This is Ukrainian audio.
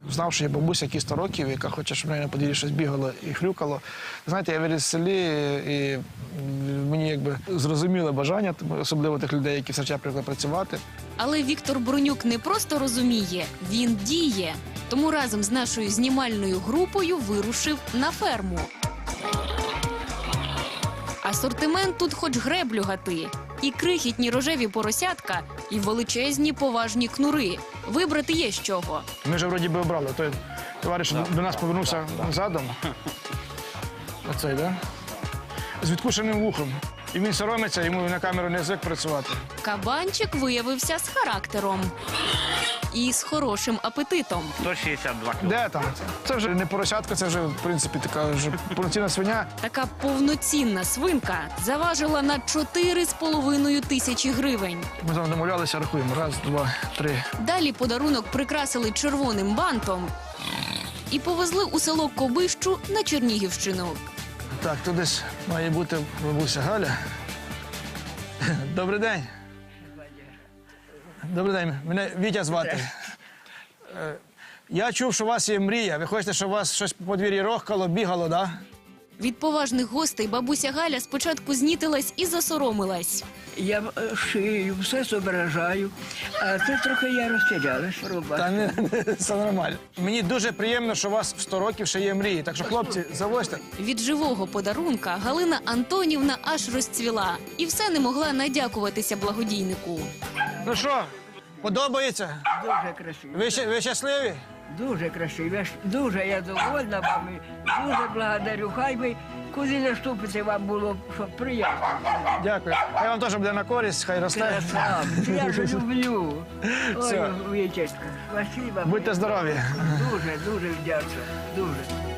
Знав, що є бабуся, які 100 років, яка хоче, щоб в неї на подвір'ї щось бігало і хрюкало. Знаєте, я виріс в селі, і мені якби зрозуміле бажання, особливо тих людей, які в сарчах прийшли працювати. Але Віктор Бронюк не просто розуміє, він діє. Тому разом з нашою знімальною групою вирушив на ферму. Асортимент тут хоч греблю гати. І крихітні рожеві поросятка, і величезні поважні кнури. Вибрати є з чого. Ми вже вроді би обрали. Той товариш до нас повернувся задом. Оцей, да? З відкушеним вухом. І він соромиться, йому на камеру не звик працювати. Кабанчик виявився з характером. І з хорошим апетитом. 162 кг. Де там? Це вже не поросятка, це вже, в принципі, така вже повноцінна свиня. Така повноцінна свинка заважила на 4,5 тисячі гривень. Ми там домовлялися, рахуємо. 1, 2, 3. Далі подарунок прикрасили червоним бантом і повезли у село Кобищу на Чернігівщину. Так, тут десь має бути бабуся Галя. Добрий день. Добрий день. Мене Вітя звати. Я чув, що у вас є мрія. Ви хочете, щоб у вас щось по подвір'ї рохкало, бігало, так? Да? Від поважних гостей бабуся Галя спочатку знітилась і засоромилась. Я шию, все зображаю, а це трохи я розтірялась, роба. Та не, все нормально. Мені дуже приємно, що у вас в 100 років ще є мрії. Так що, хлопці, завозьте. Від живого подарунка Галина Антонівна аж розцвіла і все не могла надякуватися благодійнику. Ну що, подобається? Дуже красиво. Ви щасливі? Дуже красиво. Дуже я довольна вами. Дуже благодарю. Хай би куди наступити вам було, щоб приємно. Дякую. Хай вам теж буде на користь, хай росте. Красавці, я ж люблю. Все. Ой, Вітечка, спасибо. Будьте здорові. Дуже, дуже вдячна. Дуже.